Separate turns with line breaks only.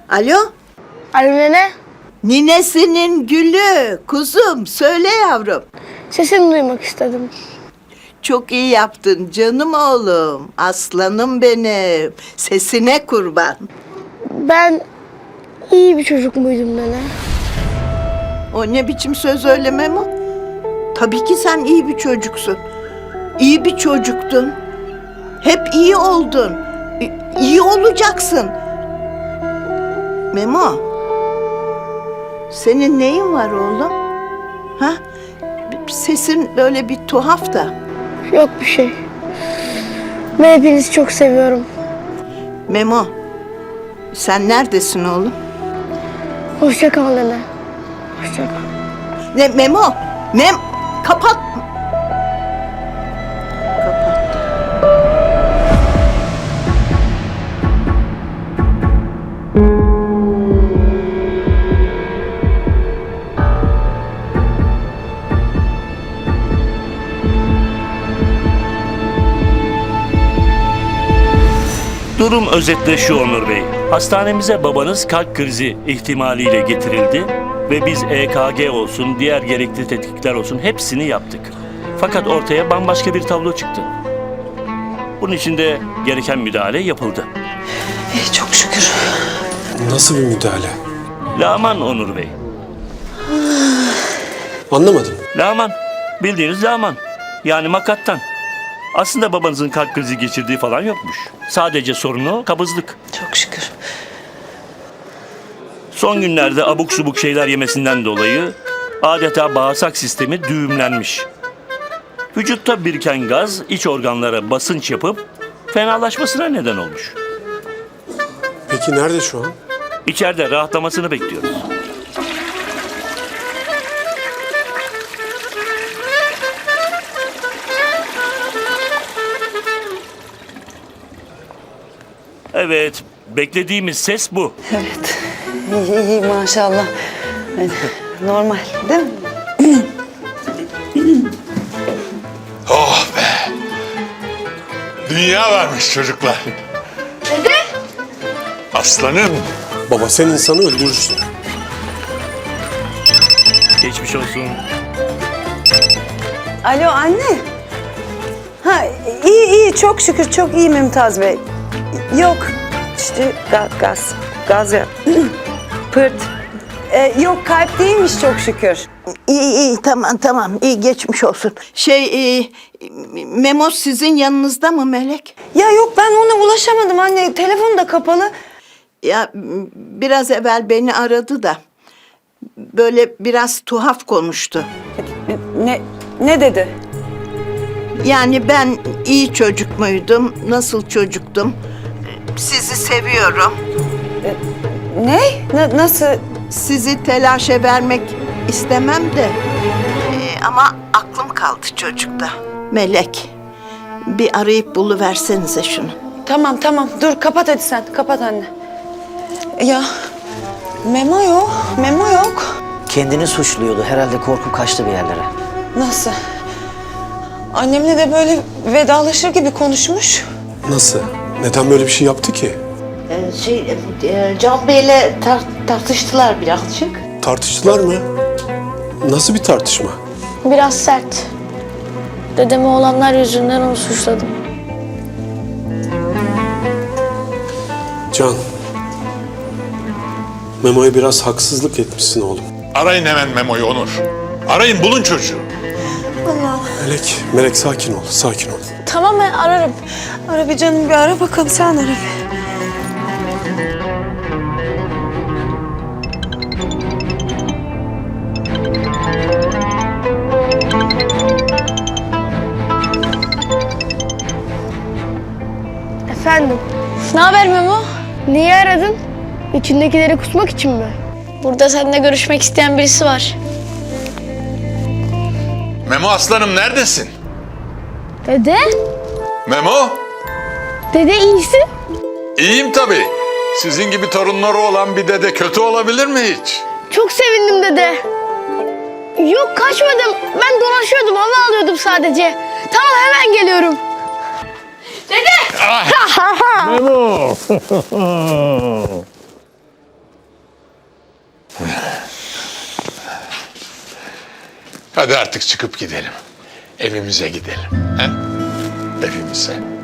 Alo?
Alo nene,
Ninesinin gülü, kuzum söyle yavrum.
sesini duymak istedim.
Çok iyi yaptın canım oğlum, aslanım benim. Sesine kurban.
Ben iyi bir çocuk muydum nene?
O ne biçim söz öyle Memo? Tabii ki sen iyi bir çocuksun. İyi bir çocuktun. Hep iyi oldun. İyi olacaksın. Memo, senin neyin var oğlum? Ha? Sesin böyle bir tuhaf da.
Yok bir şey. Ben hepinizi çok seviyorum.
Memo, sen neredesin oğlum?
Hoşça kal nene. Hoşça kal.
Ne Memo? Kapat. Kapattı.
Durum özetle şu Onur Bey. Hastanemize babanız kalp krizi ihtimaliyle getirildi ve biz EKG olsun, diğer gerekli tetkikler olsun hepsini yaptık. Fakat ortaya bambaşka bir tablo çıktı. Bunun için de gereken müdahale yapıldı.
Çok şükür.
Nasıl bir müdahale?
Laman Onur Bey.
Anlamadım.
Laman. Bildiğiniz laman. Yani makattan. Aslında babanızın kalp krizi geçirdiği falan yokmuş. Sadece sorunu kabızlık.
Çok şükür.
Son günlerde abuk subuk şeyler yemesinden dolayı adeta bağırsak sistemi düğümlenmiş. Vücutta biriken gaz iç organlara basınç yapıp fenalaşmasına neden olmuş.
Peki nerede şu an?
İçeride rahatlamasını bekliyoruz. Evet, beklediğimiz ses bu.
Evet. İyi maşallah. Evet, normal değil mi?
Oh be! Dünya varmış çocuklar. Dede! Aslanım.
Baba sen insanı öldürürsün.
Geçmiş olsun.
Alo anne. Ha iyi çok şükür çok iyi Mümtaz Bey. Yok işte gaz ya. Pırt. Yok kalp değilmiş çok şükür.
İyi tamam iyi geçmiş olsun. Memo sizin yanınızda mı Melek?
Ya yok ben ona ulaşamadım anne. Telefon da kapalı.
Ya biraz evvel beni aradı da böyle biraz tuhaf konuştu.
Ne dedi?
Yani ben iyi çocuk muydum, nasıl çocuktum? Sizi seviyorum.
Ne? Nasıl?
Sizi telaşa vermek istemem de ama aklım kaldı çocukta. Melek, bir arayıp buluversenize şunu.
Tamam dur kapat hadi sen kapat anne. Ya Memo yok.
Kendini suçluyordu. Herhalde korkup kaçtı bir yerlere.
Nasıl? Annemle de böyle vedalaşır gibi konuşmuş.
Nasıl? Neden böyle bir şey yaptı ki?
Can Bey'le tartıştılar birazcık.
Tartıştılar mı? Nasıl bir tartışma?
Biraz sert. Dedeme olanlar yüzünden onu suçladım.
Can. Memo'ya biraz haksızlık etmişsin oğlum.
Arayın hemen Memo'yu Onur. Arayın bulun çocuğu.
Melek sakin ol.
Tamam ben ararım.
Ara bir canım bir ara bakalım sen ara bir.
Efendim. Ne haber Memo? Niye aradın? İçindekileri kusmak için mi? Burada seninle görüşmek isteyen birisi var.
Memo aslanım neredesin?
Dede?
Memo?
Dede iyisin?
İyiyim tabii. Sizin gibi torunları olan bir dede kötü olabilir mi hiç?
Çok sevindim dede. Yok kaçmadım. Ben dolaşıyordum, hava alıyordum sadece. Tamam hemen geliyorum. Dede!
Memo! Hadi artık çıkıp gidelim. Evimize gidelim. He? Evimize.